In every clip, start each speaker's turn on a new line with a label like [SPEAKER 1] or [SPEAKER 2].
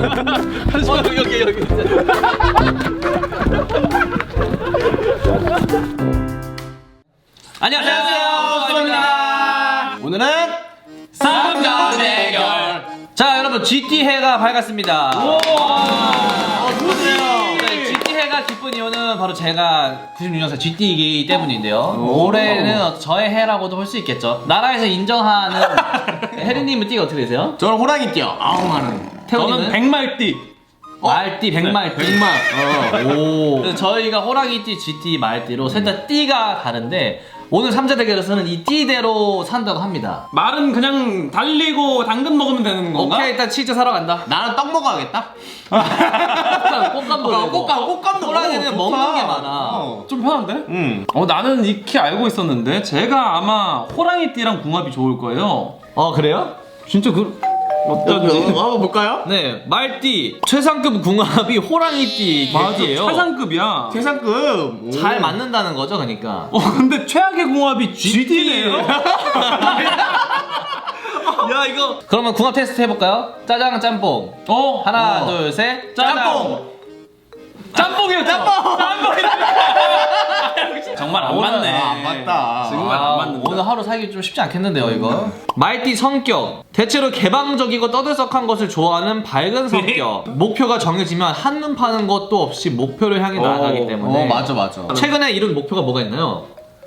[SPEAKER 1] 여기. 안녕하세요. 수고입니다.
[SPEAKER 2] 오늘은
[SPEAKER 1] 3점 대결. 자, 여러분 GT 해가 밝았습니다. 네, GT 해가 기쁜 이유는 바로 제가 96년생 GT이기 때문인데요. 올해는 저의 해라고도 볼 수 있겠죠. 나라에서 인정하는 혜리님은 띠가 어떻게 되세요?
[SPEAKER 2] 저는 호랑이띠요. 아우 많은.
[SPEAKER 1] 태훈님은?
[SPEAKER 3] 저는 백말띠.
[SPEAKER 1] 말띠, 백말띠.
[SPEAKER 2] 백말.
[SPEAKER 1] 오. 그래서 저희가 호랑이띠, GT, 말띠로 셋 다 띠가 다른데 오늘 3자 대결에서는 이 띠대로 산다고 합니다.
[SPEAKER 3] 말은 그냥 달리고 당근 먹으면 되는 건가?
[SPEAKER 1] 오케이, 일단 치즈 사러 간다.
[SPEAKER 2] 나는 떡 먹어야겠다.
[SPEAKER 1] 꽃감도
[SPEAKER 2] 꽃감도
[SPEAKER 1] 호랑이는
[SPEAKER 2] 먹어.
[SPEAKER 1] 먹는 게
[SPEAKER 2] 좋다.
[SPEAKER 1] 많아.
[SPEAKER 3] 좀 편한데? 나는 익히 알고 있었는데 제가 아마 호랑이띠랑 궁합이 좋을 거예요.
[SPEAKER 1] 그래요?
[SPEAKER 3] 진짜 어쩌지?
[SPEAKER 2] 한번 볼까요?
[SPEAKER 1] 네, 말띠 최상급 궁합이 호랑이띠
[SPEAKER 3] 맞아,
[SPEAKER 1] 개띠예요.
[SPEAKER 3] 최상급이야.
[SPEAKER 2] 최상급.
[SPEAKER 1] 잘 맞는다는 거죠, 그러니까.
[SPEAKER 3] 근데 최악의 궁합이 GT네요.
[SPEAKER 1] 야, 이거. 그러면 궁합 테스트 해볼까요? 짜장, 짬뽕. 하나, 둘, 셋.
[SPEAKER 2] 짬뽕.
[SPEAKER 3] 짬뽕이요, 짬뽕. 정말 안 맞네.
[SPEAKER 2] 안 맞다.
[SPEAKER 3] 정말 안 맞는다.
[SPEAKER 1] 오늘 하루 살기 좀 쉽지 않겠는데요, 이거. 말띠 성격. 대체로 개방적이고 떠들썩한 것을 좋아하는 밝은 성격. 목표가 정해지면 한눈 파는 것도 없이 목표를 향해 나아가기 때문에.
[SPEAKER 2] 맞아.
[SPEAKER 1] 최근에 이룬 목표가 뭐가 있나요?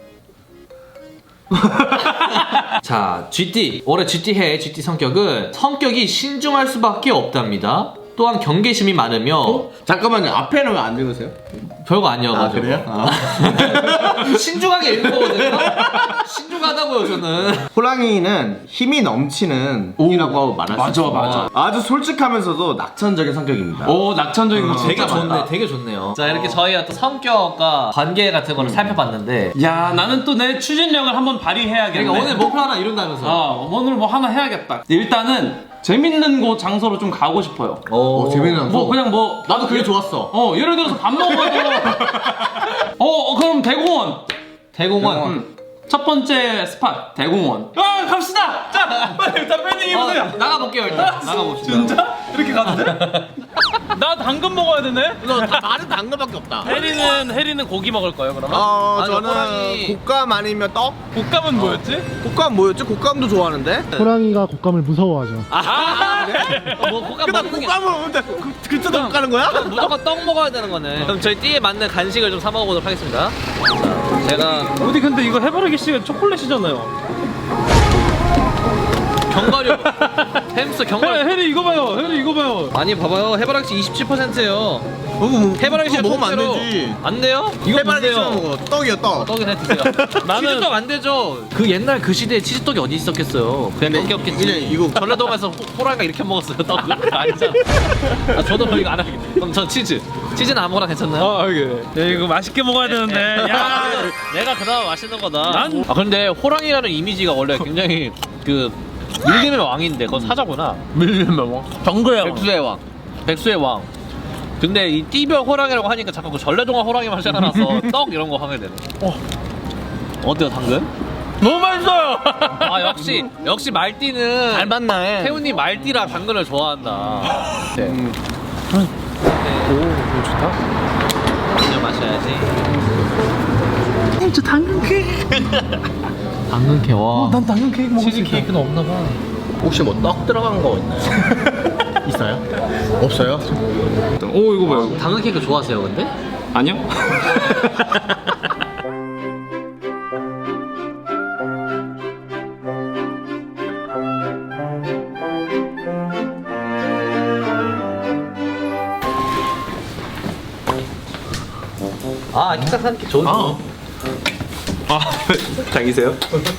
[SPEAKER 1] 자, GT. 올해 GT해 GT 성격은 성격이 신중할 수밖에 없답니다. 또한 경계심이 많으며
[SPEAKER 2] 잠깐만요. 앞에는 왜 안 적으세요?
[SPEAKER 1] 별거 아니어가지고.
[SPEAKER 2] 그래요?
[SPEAKER 1] 신중하게 읽는 거거든요. 신중하다고요, 저는.
[SPEAKER 2] 호랑이는 힘이 넘치는 이라고 말할 수 있어요.
[SPEAKER 3] 맞아.
[SPEAKER 2] 아주 솔직하면서도 낙천적인 성격입니다.
[SPEAKER 3] 낙천적인 거
[SPEAKER 1] 되게
[SPEAKER 3] 진짜
[SPEAKER 1] 좋네,
[SPEAKER 3] 많다.
[SPEAKER 1] 되게 좋네요. 자, 이렇게 저희 어떤 성격과 관계 같은 거를 살펴봤는데.
[SPEAKER 3] 야, 나는 또 내 추진력을 한번 발휘해야겠네.
[SPEAKER 1] 그러니까 오늘 목표 하나 이룬다면서.
[SPEAKER 3] 오늘 뭐 하나 해야겠다. 일단은 재밌는 곳 장소로 좀 가고 싶어요.
[SPEAKER 2] 재밌는
[SPEAKER 3] 뭐 그냥 뭐
[SPEAKER 2] 나도 그게 좋았어.
[SPEAKER 3] 예를 들어서 밥 먹어도 그럼 대공원.
[SPEAKER 1] 대공원.
[SPEAKER 3] 첫 번째 스팟 대공원. 갑시다. 자, 빨리 팬딩 해보세요.
[SPEAKER 1] 나가볼게요, 일단. 나가봅시다.
[SPEAKER 3] 진짜? 이렇게 가도 돼? 나 당근 먹어야 되네.
[SPEAKER 2] 말은 당근밖에 없다.
[SPEAKER 3] 해리는 고기 먹을 거예요, 그러면?
[SPEAKER 1] 아니,
[SPEAKER 2] 저는
[SPEAKER 1] 호랑이.
[SPEAKER 2] 곶감 아니면 떡?
[SPEAKER 3] 곶감은 뭐였지?
[SPEAKER 2] 곶감 뭐였지? 곶감도 좋아하는데?
[SPEAKER 4] 호랑이가 곶감을 무서워하죠.
[SPEAKER 1] 뭐 곶감
[SPEAKER 2] 그다음
[SPEAKER 1] 먹는 게
[SPEAKER 2] 곶감을 그때 떡 가는 거야?
[SPEAKER 1] 무조건 떡 먹어야 되는 거네. 그럼 저희 띠에 맞는 간식을 좀 사 먹어보도록 하겠습니다. 자, 제가
[SPEAKER 3] 어디 근데 이거 해바라기 씨가 초콜릿이잖아요.
[SPEAKER 1] 견과류 햄스터 견과류.
[SPEAKER 3] 해리 이거 봐요.
[SPEAKER 1] 아니 봐봐요, 해바라기 씨 27%예요. 해바라기 씨가
[SPEAKER 2] 먹으면 안
[SPEAKER 1] 통째로.
[SPEAKER 2] 되지.
[SPEAKER 1] 안 돼요? 이거
[SPEAKER 2] 해바라기
[SPEAKER 1] 뭔데요?
[SPEAKER 2] 씹어 먹어. 떡이야 떡.
[SPEAKER 1] 떡이나 드세요. 치즈떡 안 되죠. 그 옛날 그 시대에 치즈떡이 어디 있었겠어요. 그냥 떡이 없겠지.
[SPEAKER 2] 이거
[SPEAKER 1] 전라도 가서 호랑이가 이렇게 먹었어요. 떡을. 아니잖아. 저도 이거 안 하겠네. 그럼 전 치즈는 아무거나 괜찮나요?
[SPEAKER 3] 이거 맛있게 먹어야 되는데. 야,
[SPEAKER 1] 내가 그나마 맛있는 거다. 근데 호랑이라는 이미지가 원래 굉장히 그 밀림의 왕인데 그건 사자구나.
[SPEAKER 3] 밀리면 뭐? 정글의 왕.
[SPEAKER 1] 백수의 왕. 근데 이 띠별 호랑이라고 하니까 자꾸 그 전래동화 호랑이만 생각나서 떡 이런 거 하게 되네. 어때요, 당근?
[SPEAKER 3] 너무 맛있어요.
[SPEAKER 1] 역시 말띠는
[SPEAKER 2] 잘 맞나 해.
[SPEAKER 1] 태훈이 말띠라 당근을 좋아한다. 네.
[SPEAKER 3] 오, 좋다.
[SPEAKER 1] 먼저 마셔야지.
[SPEAKER 3] 저 당근 케이크.
[SPEAKER 1] 당근 케 와.
[SPEAKER 3] 난 당근 케이크 먹을 수
[SPEAKER 1] 치즈
[SPEAKER 3] 있다.
[SPEAKER 1] 케이크는 없나 봐.
[SPEAKER 2] 혹시 뭐 떡 들어간 거 있나요? 있어요? 없어요?
[SPEAKER 3] 오, 이거 봐요.
[SPEAKER 1] 당근 케이크 좋아하세요, 근데?
[SPEAKER 3] 아니요.
[SPEAKER 1] 키가 사는 게 좋은.
[SPEAKER 3] 자기세요?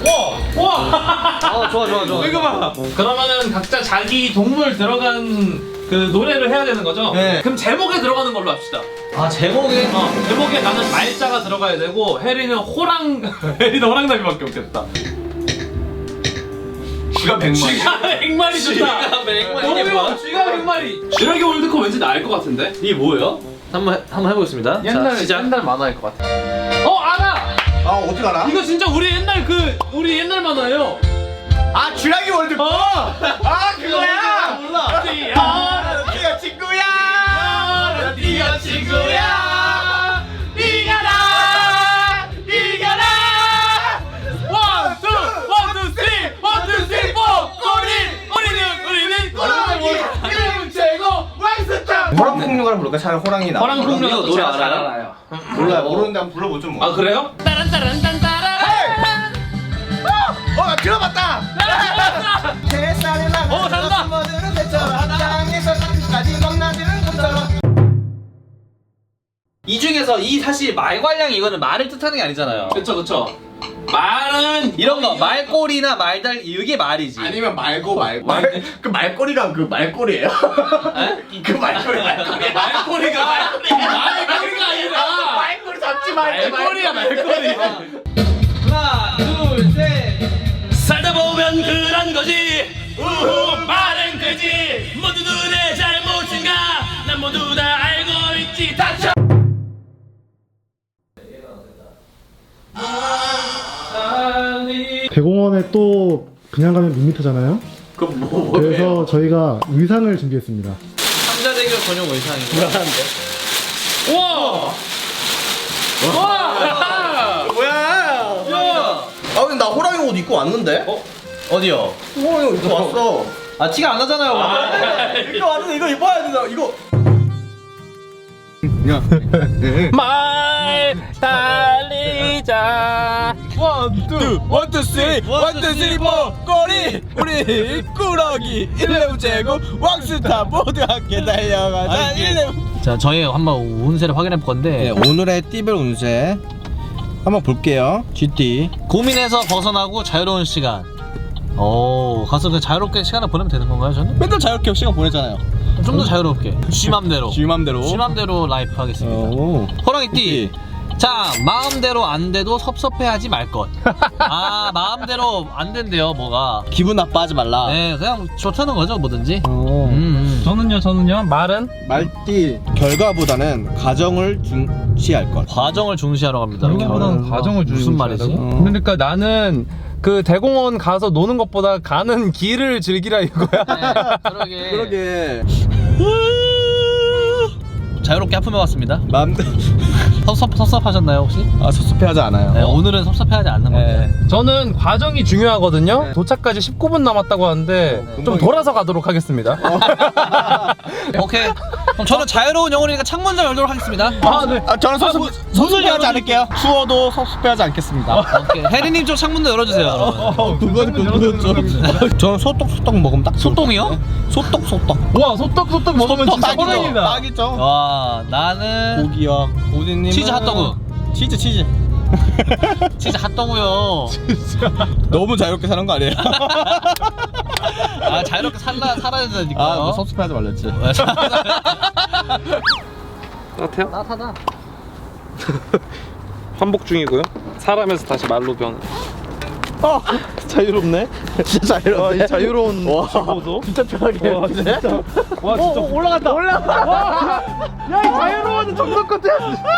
[SPEAKER 1] 좋아.
[SPEAKER 3] 이거 봐. 그러면은 각자 자기 동물 들어간 그 노래를 해야 되는 거죠?
[SPEAKER 2] 네.
[SPEAKER 3] 그럼 제목에 들어가는 걸로 합시다.
[SPEAKER 1] 제목에.
[SPEAKER 3] 제목에 나는 말자가 들어가야 되고 해리는 해리는 호랑나비밖에 없겠다. 쥐가 100마리. 쥐가 100마리 좋다.
[SPEAKER 1] 쥐가 100마리.
[SPEAKER 3] 너무 좋아. 쥐가 100마리. 쥐라기 월드컵 왠지 나을 것 같은데?
[SPEAKER 1] 이게 뭐예요? 한번 해보겠습니다. 자, 시작.
[SPEAKER 3] 옛날 만화일 것 같아. 알아.
[SPEAKER 2] 어떻게 알아?
[SPEAKER 3] 이거 진짜 우리 옛날 만화예요.
[SPEAKER 2] 쥐라기 월드컵! 그거야!
[SPEAKER 3] 몰라.
[SPEAKER 2] 쥐가
[SPEAKER 5] 호랑 풍류가를 부를까? 차라리 호랑이 나.
[SPEAKER 3] 호랑 풍류가
[SPEAKER 1] 노래
[SPEAKER 3] 제가
[SPEAKER 1] 알아요?
[SPEAKER 3] 잘 알아요.
[SPEAKER 5] 몰라요. 모르는데 한번 불러보죠 뭐.
[SPEAKER 3] 아 그래요?
[SPEAKER 5] 나 들어봤다. 햇살에 나가.
[SPEAKER 3] 잘한다.
[SPEAKER 5] 숨어드는 새처럼 땅에서 끝까지 넘나드는 것처럼.
[SPEAKER 1] 이 중에서 이 사실 말괄량이 이거는 말을 뜻하는 게 아니잖아요.
[SPEAKER 3] 그쵸. 말은
[SPEAKER 1] 이런 거 말꼬리나 말달 이게 말이지.
[SPEAKER 5] 아니면 그 말꼬리랑 그 말꼬리예요? 그 말꼬리.
[SPEAKER 3] 말꼬리가 아니라
[SPEAKER 5] 말꼬리 잡지 말고.
[SPEAKER 3] 말꼬리야 말꼬리.
[SPEAKER 1] 하나, 둘, 셋.
[SPEAKER 3] 살다 보면 그런 거지. 우후 말은 그지. 모두들의 잘못인가? 난 모두 다 알고 있지. 닥쳐.
[SPEAKER 4] 대공원에 또 그냥 가면 밋밋하잖아요.
[SPEAKER 5] 그럼 뭐예요?
[SPEAKER 4] 그래서 저희가 의상을 준비했습니다.
[SPEAKER 1] 삼자대교 전용 의상이고.
[SPEAKER 3] 우와. 와.
[SPEAKER 5] 뭐야?
[SPEAKER 1] 야!
[SPEAKER 5] 아 근데 나 호랑이 옷 입고 왔는데?
[SPEAKER 1] 어디요?
[SPEAKER 5] 호랑이 옷 입고 왔어.
[SPEAKER 1] 아 티가 안 나잖아요.
[SPEAKER 5] 입고 왔는데 이거 입어야 된다. 이거.
[SPEAKER 2] 말 달리자. 원투 쓰리 포 꼬리 우리 꾸러기 1레브 제고 왕스타 모두 함께 달려가자 1레브.
[SPEAKER 1] 자, 저희 한번 운세를 확인해 볼 건데
[SPEAKER 5] 오늘의 띠별 운세 한번 볼게요. GT.
[SPEAKER 1] 고민해서 벗어나고 자유로운 시간. 오, 가서 그냥 자유롭게 시간을 보내면 되는 건가요, 저는?
[SPEAKER 5] 맨날 자유롭게 시간 보내잖아요.
[SPEAKER 1] 좀 더 자유롭게. 쥐맘대로.
[SPEAKER 5] 쥐맘대로.
[SPEAKER 1] 쥐맘대로 라이프 하겠습니다.
[SPEAKER 5] 오.
[SPEAKER 1] 호랑이띠. 자, 마음대로 안 돼도 섭섭해하지 말 것. 아, 마음대로 안 된대요, 뭐가.
[SPEAKER 5] 기분 나빠하지 말라.
[SPEAKER 1] 네, 그냥 좋다는 거죠, 뭐든지.
[SPEAKER 2] 저는요 말은
[SPEAKER 5] 말띠 결과보다는 가정을 중시할 것.
[SPEAKER 1] 과정을 중시하러 갑니다.
[SPEAKER 2] 결과보다는 과정을
[SPEAKER 1] 무슨 말이지?
[SPEAKER 2] 그러니까 나는 그 대공원 가서 노는 것보다 가는 길을 즐기라 이거야.
[SPEAKER 1] 네, 그러게.
[SPEAKER 5] 그러게.
[SPEAKER 1] 자유롭게 하품해 왔습니다.
[SPEAKER 5] 마음대로.
[SPEAKER 1] 섭섭하셨나요, 혹시?
[SPEAKER 5] 아 섭섭해하지 않아요.
[SPEAKER 1] 네, 오늘은 섭섭해하지 않는 건데.
[SPEAKER 2] 저는 과정이 중요하거든요. 도착까지 19분 남았다고 하는데 좀 돌아서 가도록 하겠습니다.
[SPEAKER 1] 오케이. 그럼 저는 자유로운 영혼이니까 창문 좀 열도록 하겠습니다.
[SPEAKER 2] 아, 네.
[SPEAKER 5] 아 저는 섭섭해하지 않을게요. 추워도 섭섭해하지 않겠습니다.
[SPEAKER 1] 오케이. 혜리님 쪽 창문도 열어주세요. 그러면.
[SPEAKER 5] 그건 좀. 저는 소떡 먹으면 딱.
[SPEAKER 1] 소똥이요?
[SPEAKER 5] 소떡.
[SPEAKER 2] 와 소떡 먹으면 진짜
[SPEAKER 5] 딱이죠.
[SPEAKER 2] 호랑이다.
[SPEAKER 5] 딱이죠.
[SPEAKER 1] 와, 나는
[SPEAKER 5] 고기와 고디님.
[SPEAKER 1] 치즈 핫도그.
[SPEAKER 5] 치즈.
[SPEAKER 1] 치즈 핫도그요.
[SPEAKER 5] 너무 자유롭게 사는 거 아니에요?
[SPEAKER 1] 아, 자유롭게 살아야 되니까.
[SPEAKER 5] 아, 뭐 섭섭해하지 말랬지.
[SPEAKER 2] 따뜻해요?
[SPEAKER 1] 따뜻하다.
[SPEAKER 2] 환복 중이고요. 사람에서 다시 말로 변.
[SPEAKER 5] 자유롭네. 진짜 자유롭네.
[SPEAKER 2] 이 자유로운 친구도.
[SPEAKER 5] 진짜 편하게.
[SPEAKER 2] 와 진짜. 와 진짜. 올라갔다. 와. 야 이 자유로운 정석 같아.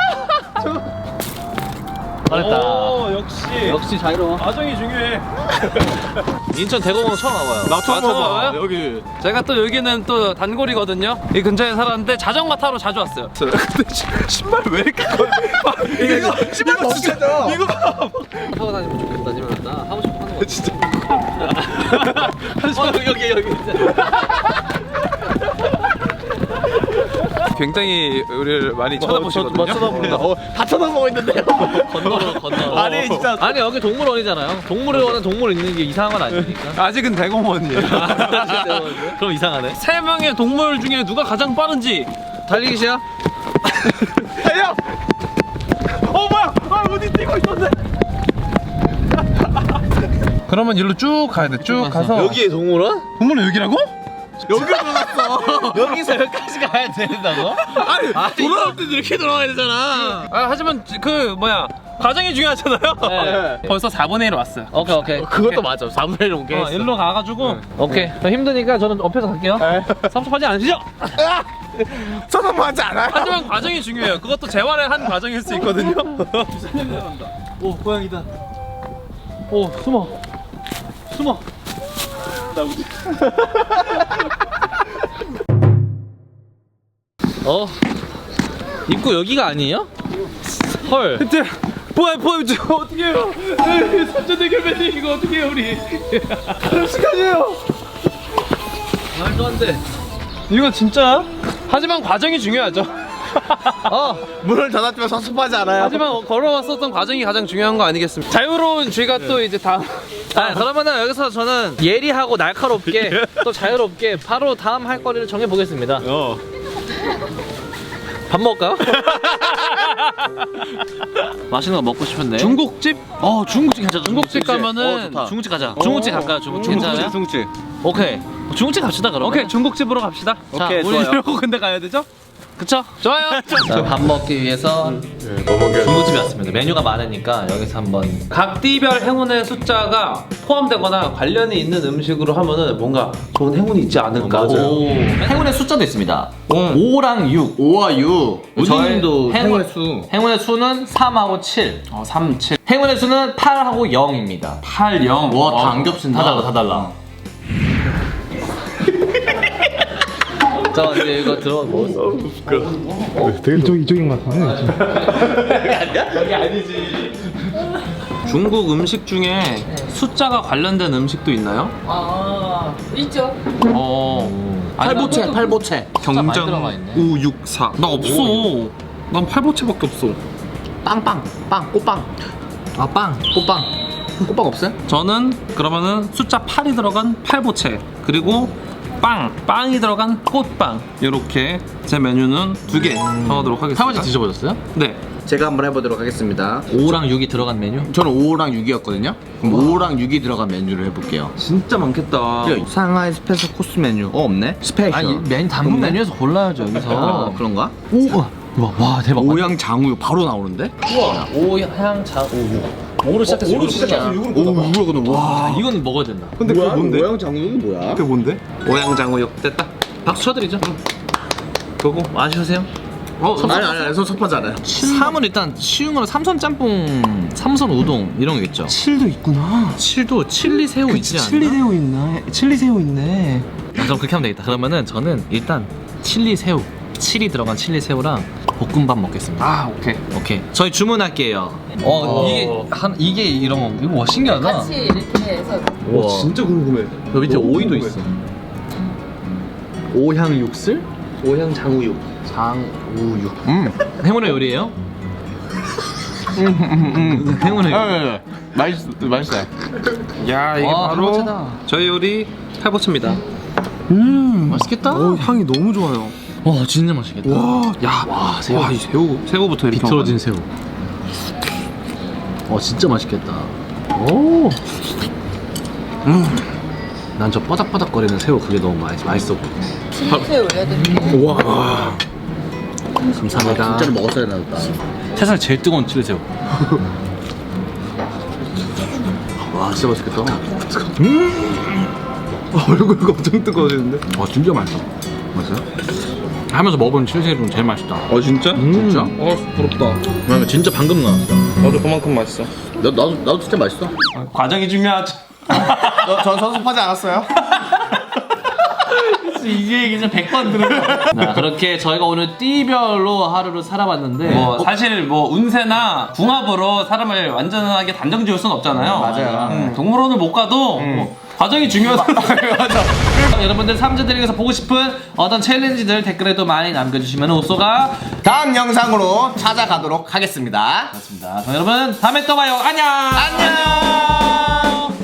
[SPEAKER 1] 잘했다.
[SPEAKER 2] 오 역시
[SPEAKER 1] 자유로워.
[SPEAKER 2] 과정이 중요해.
[SPEAKER 1] 인천 대공원 처음 와봐요.
[SPEAKER 5] 나 처음
[SPEAKER 2] 처음
[SPEAKER 5] 봐봐.
[SPEAKER 2] 와요?
[SPEAKER 5] 여기.
[SPEAKER 2] 제가 또 여기는 또 단골이거든요. 이 근처에 살았는데 자전거 타러 자주 왔어요.
[SPEAKER 5] 근데 신발 왜 이렇게 커? 이거 신발 벗겨져. 이거
[SPEAKER 1] 타고 다니면 좋겠다. 지금 나 하고 싶어 하는 거.
[SPEAKER 5] 진짜.
[SPEAKER 1] 여기.
[SPEAKER 2] 굉장히 우리를 많이 쳐다보시거든요.
[SPEAKER 5] 다 쳐다보고 있는데요.
[SPEAKER 1] 건너로.
[SPEAKER 5] 아니, 진짜.
[SPEAKER 1] 아니 여기 동물원이잖아요. 동물원은 동물 있는 게 이상한 건 아니니까.
[SPEAKER 2] 아직은 대공원이에요.
[SPEAKER 1] 그럼 이상하네.
[SPEAKER 2] 세 명의 동물 중에 누가 가장 빠른지.
[SPEAKER 1] 달리기 시작.
[SPEAKER 2] 달려! 뭐야? 어디 뛰고 있었네. 그러면 일로 쭉 가야 돼. 쭉 가서.
[SPEAKER 1] 여기에 동물원?
[SPEAKER 2] 동물은 여기라고?
[SPEAKER 5] 여기로 들어갔어.
[SPEAKER 1] 여기서 여기까지 가야 된다고?
[SPEAKER 5] 아니, 돌아올 때도 이렇게 돌아가야 되잖아.
[SPEAKER 2] 하지만 그 뭐야 과정이 중요하잖아요.
[SPEAKER 1] 네.
[SPEAKER 2] 벌써 4분의 1 왔어요.
[SPEAKER 1] 오케이.
[SPEAKER 5] 그것도 맞아. 4분의 1 옮겨.
[SPEAKER 2] 일로 가가지고.
[SPEAKER 1] 오케이. 저 힘드니까 저는 옆에서 갈게요. 섭섭하지 않으시죠?
[SPEAKER 5] 쳐다보지 않아요.
[SPEAKER 2] 하지만 과정이 중요해요. 그것도 재활의 한 과정일 수 있거든요.
[SPEAKER 1] 오, 고양이다. 오, 숨어. 입구 여기가 아니에요? 헐.
[SPEAKER 2] 뭐야 어떻게 해요? 삼자대결 이거 어떻게 해요 우리?
[SPEAKER 1] 말도 안 돼.
[SPEAKER 2] 이거 진짜? 하지만 과정이 중요하죠.
[SPEAKER 5] 문을 닫았지만 섭섭하지 않아요?
[SPEAKER 2] 하지만 걸어왔었던 과정이 가장 중요한 거 아니겠습니까? 자유로운 쥐가 또 이제 다음.
[SPEAKER 1] 그러면은 여기서 저는 예리하고 날카롭게 또 자유롭게 바로 다음 할 거리를 정해 보겠습니다. 밥 먹을까요? 맛있는 거 먹고 싶은데.
[SPEAKER 2] 중국집?
[SPEAKER 1] 중국집 괜찮아.
[SPEAKER 2] 중국집 가면은
[SPEAKER 5] 좋다.
[SPEAKER 1] 중국집 가자. 중국집 갈까요? 중국집 괜찮아요?
[SPEAKER 5] 중국집.
[SPEAKER 1] 오케이. 중국집 갑시다 그러면.
[SPEAKER 2] 오케이 중국집으로 갑시다.
[SPEAKER 1] 자,
[SPEAKER 5] 오케이,
[SPEAKER 1] 우리
[SPEAKER 5] 좋아요.
[SPEAKER 2] 이러고 근데 가야 되죠?
[SPEAKER 1] 그쵸?
[SPEAKER 2] 좋아요.
[SPEAKER 1] 자, 밥 먹기 위해서 중국집에 왔습니다. 메뉴가 많으니까 여기서 한번.
[SPEAKER 2] 각 띠별 행운의 숫자가 포함되거나 관련이 있는 음식으로 하면은 뭔가 좋은 행운이 있지 않을까.
[SPEAKER 1] 오. 행운의 숫자도 있습니다. 5랑 6.
[SPEAKER 5] 5와 6.
[SPEAKER 1] 우진님도
[SPEAKER 5] 행운의 수.
[SPEAKER 1] 행운의 수는 3하고 7.
[SPEAKER 5] 3, 7.
[SPEAKER 1] 행운의 수는 8하고 0입니다.
[SPEAKER 5] 8, 0. 와, 다 안 겹친다.
[SPEAKER 1] 다 달라. 자, 이제 이거 들어 먹었어.
[SPEAKER 4] 이쪽인 것 같은데.
[SPEAKER 2] 중국 음식 중에 숫자가 관련된 음식도 있나요?
[SPEAKER 6] 있죠.
[SPEAKER 5] 팔보채, 팔보채.
[SPEAKER 1] 많이 들어가 있네.
[SPEAKER 2] 5, 6, 4. 나 없어. 난 팔보채밖에 없어.
[SPEAKER 5] 빵빵. 빵, 꽃빵.
[SPEAKER 1] 빵.
[SPEAKER 5] 꽃빵. 꽃빵 없어요?
[SPEAKER 2] 저는 그러면은 숫자 8이 들어간 팔보채 그리고 빵이 들어간 꽃빵 이렇게 제 메뉴는 2개 정하도록 하겠습니다.
[SPEAKER 1] 할아버지 드셔보셨어요?
[SPEAKER 2] 네.
[SPEAKER 5] 제가 한번 해보도록 하겠습니다.
[SPEAKER 1] 5랑 6이 들어간 메뉴?
[SPEAKER 5] 저는 5랑 6이었거든요. 그럼 5랑 6이 들어간 메뉴를 해볼게요.
[SPEAKER 2] 진짜 많겠다.
[SPEAKER 5] 상하이 스페셜 코스 메뉴. 없네? 스페셜.
[SPEAKER 1] 아니 메뉴 단품
[SPEAKER 5] 없네?
[SPEAKER 1] 메뉴에서 골라야죠 여기서.
[SPEAKER 5] 그런가?
[SPEAKER 1] 와 대박.
[SPEAKER 5] 오양 장우유 바로 나오는데?
[SPEAKER 1] 오향 자우유. 5로 시작해서 6으로 시작해서 6으로.
[SPEAKER 5] 이거거든. 와.
[SPEAKER 1] 이건 먹어야 된다.
[SPEAKER 5] 근데 그거 뭔데? 오양 장우유는 뭐야? 그게 뭔데?
[SPEAKER 2] 오양장우육 됐다.
[SPEAKER 1] 박수 쳐드리죠. 그거 아쉬우세요?
[SPEAKER 5] 아니, 섭섭하지 않아요.
[SPEAKER 1] 3은 일단 쉬운 거는 삼선 짬뽕, 삼선 우동 이런 거겠죠.
[SPEAKER 2] 7도 있구나.
[SPEAKER 1] 7도 칠리 새우 있지 않나?
[SPEAKER 2] 칠리새우 있네. 칠리새우 있네.
[SPEAKER 1] 그럼 그렇게 하면 되겠다. 그러면은 저는 일단 칠리 새우, 7이 들어간 칠리 새우랑 볶음밥 먹겠습니다.
[SPEAKER 2] 아 오케이.
[SPEAKER 1] 오케이. 저희 주문할게요. 이게 이런 거 이거 와 신기하다.
[SPEAKER 6] 같이 이렇게 해서
[SPEAKER 1] 와
[SPEAKER 5] 진짜 궁금해.
[SPEAKER 1] 여 밑에 오이도 있어. 오향 육슬?
[SPEAKER 2] 오양장우육.
[SPEAKER 1] 장우육. 행운의 요리예요? 행운의 요리.
[SPEAKER 5] 맛있어요.
[SPEAKER 2] 야 이게
[SPEAKER 1] 와,
[SPEAKER 2] 바로
[SPEAKER 1] 팔보채다.
[SPEAKER 2] 저희 요리 팔보채입니다.
[SPEAKER 1] 맛있겠다.
[SPEAKER 2] 향이 너무 좋아요.
[SPEAKER 1] 와 진짜 맛있겠다.
[SPEAKER 2] 와 이 새우부터 이렇게
[SPEAKER 1] 비틀어진 새우. 진짜 맛있겠다. 오. 난 저 바닥바닥거리는 새우 그게 너무 맛있어 보여.
[SPEAKER 6] 칠리새우 올려드릴게요.
[SPEAKER 1] 감사합니다.
[SPEAKER 5] 진짜로 먹었어야 나왔다.
[SPEAKER 1] 세상 제일 뜨거운 칠리새우.
[SPEAKER 5] 와, 진짜 맛있겠다. 얼굴이 엄청 뜨거워지는데?
[SPEAKER 1] 진짜 맛있어.
[SPEAKER 5] 맛있어요?
[SPEAKER 1] 하면서 먹은 칠리새우 중 제일 맛있다.
[SPEAKER 2] 진짜?
[SPEAKER 5] 진짜?
[SPEAKER 2] 부럽다.
[SPEAKER 1] 왜냐면 진짜 방금 나왔어.
[SPEAKER 2] 나도 그만큼 맛있어.
[SPEAKER 5] 나도 진짜 맛있어.
[SPEAKER 2] 과정이 중요하지.
[SPEAKER 5] 전 섭섭하지 않았어요?
[SPEAKER 1] 이게 얘기 좀 100번 들은 그렇게 저희가 오늘 띠별로 하루를 살아봤는데
[SPEAKER 3] 사실 뭐 운세나 궁합으로 사람을 완전하게 단정 지을 순 없잖아요.
[SPEAKER 5] 맞아요.
[SPEAKER 3] 동물원을 못 가도 뭐 과정이 중요하다.
[SPEAKER 1] 여러분들 삼재들에게서 보고 싶은 어떤 챌린지들 댓글에도 많이 남겨주시면 오쏘가
[SPEAKER 5] 다음 영상으로 찾아가도록 하겠습니다.
[SPEAKER 1] 그렇습니다. 그럼 여러분 다음에 또 봐요. 안녕.
[SPEAKER 5] 안녕.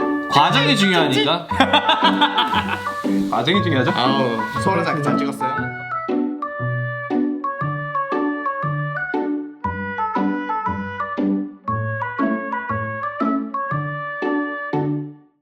[SPEAKER 1] 과정이 중요하니까.
[SPEAKER 2] 과정이 중요하죠?
[SPEAKER 5] 아우, 소원을 잘 찍었어요.